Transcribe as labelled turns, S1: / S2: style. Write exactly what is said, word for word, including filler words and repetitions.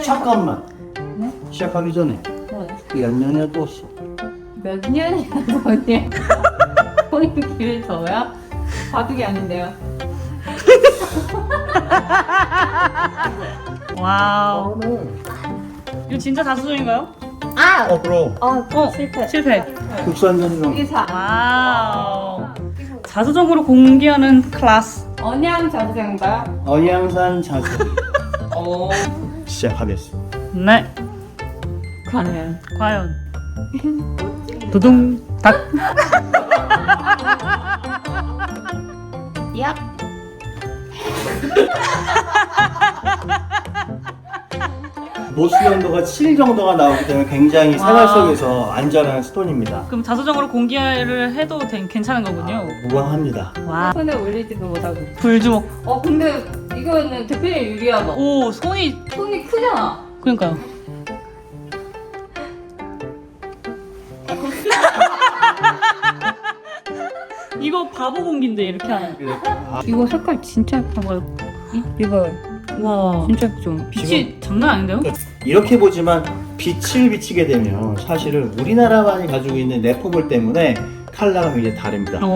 S1: 잠깐만.
S2: 네?
S1: 시작하기 전에
S2: 네.
S1: 몇 년이나 떴어?
S2: 몇 년이나 전이에요? 포인트를 줘요? 바둑이 아닌데요.
S3: 와우. 이거 진짜 자수정인가요?
S2: 아!
S1: 어 그럼
S2: 어,
S3: 어,
S2: 실패.
S3: 실패.
S1: 국산전이랑
S2: 이게 사.
S3: 와우. 자수정으로 공개하는 클래스.
S2: 언양 자주생인가요?
S1: 언양산 자수
S2: 오.
S1: 시작하겠습니다.
S3: 네.
S2: 과연.
S3: 과연. 두둥 닭.
S2: 야.
S1: 노수 정도가 칠 정도가 나오기 때문에 굉장히 생활 속에서 안전한 스톤입니다.
S3: 그럼 자수정으로 공개를 해도 된- 괜찮은 거군요.
S1: 무방합니다.
S3: 와.
S2: 손에 올리지도 못하고.
S3: 불주먹.
S2: 어, 근데 이거는 대표님 유리하다.
S3: 오, 손이
S2: 손이 크잖아.
S3: 그러니까요. 이거 바보 공기인데 이렇게 하는.
S2: 이거 색깔 진짜 예뻐.
S3: 뭐요?
S2: 이거
S3: 와.
S2: 진짜 좀.
S3: 빛이 장난 아닌데요?
S1: 이렇게 보지만 빛을 비치게 되면 사실은 우리나라만이 가지고 있는 내포물 때문에 컬러가 굉장히 다릅니다.